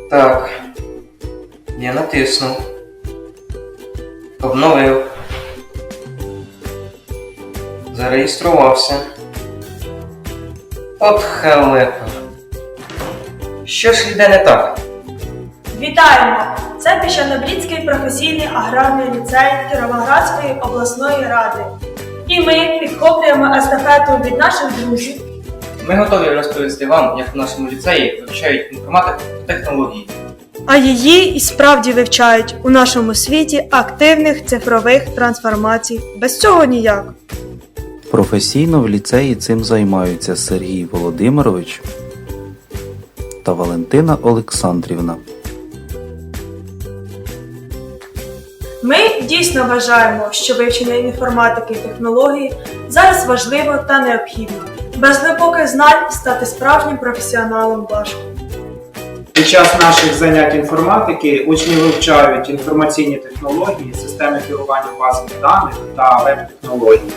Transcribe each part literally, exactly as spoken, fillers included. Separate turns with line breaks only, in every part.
Так. Я натиснув. Обновив. Зареєструвався. От халепа. Що ж йде не так?
Вітаємо! Це Піщано-Брідський професійний аграрний ліцей Кіровоградської обласної ради. І ми підхоплюємо естафету від наших друзів.
Ми готові розповісти вам, як в нашому ліцеї вивчають інформатику та технології.
А її і справді вивчають у нашому світі активних цифрових трансформацій. Без цього ніяк.
Професійно в ліцеї цим займаються Сергій Володимирович та Валентина Олександрівна.
Ми дійсно вважаємо, що вивчення інформатики і технологій зараз важливо та необхідно. Без глибоких знань стати справжнім професіоналом важко.
Під час наших занять інформатики учні вивчають інформаційні технології, системи керування базами даних та веб-технології.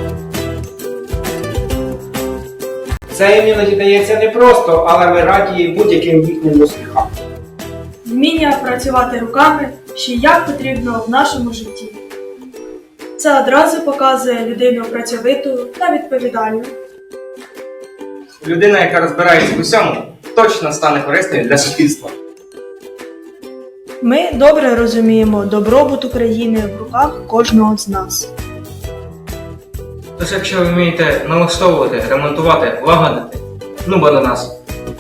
Це їм іноді дається непросто, але ми раді будь-яким їхнім успіхам.
Вміння працювати руками ще як потрібно в нашому житті. Це одразу показує людину працьовиту та відповідальну.
Людина, яка розбирається в усьому, точно стане корисною для суспільства.
Ми добре розуміємо добробут України в руках кожного з нас.
Тож якщо ви вмієте налаштовувати, ремонтувати, лагодити, ну бо до нас.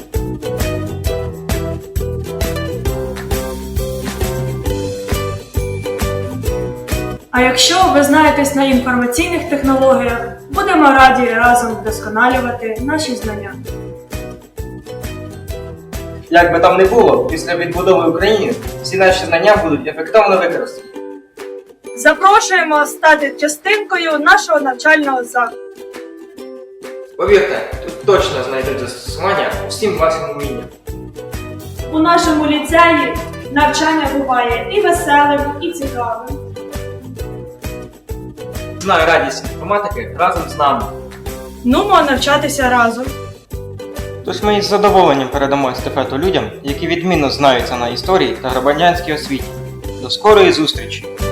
А якщо ви знаєтесь на інформаційних технологіях, будемо раді разом вдосконалювати наші знання.
Як би там не було, після відбудови України всі наші знання будуть ефективно використані.
Запрошуємо стати частинкою нашого навчального закладу.
Повірте, тут точно знайдуть застосування усім вашим вмінням.
У нашому ліцеї навчання буває і веселим, і цікавим.
Знаю радість інформатики разом з нами.
Нумо навчатися разом.
Тож ми із задоволенням передамо естафету людям, які відмінно знаються на історії та громадянській освіті. До скорої зустрічі!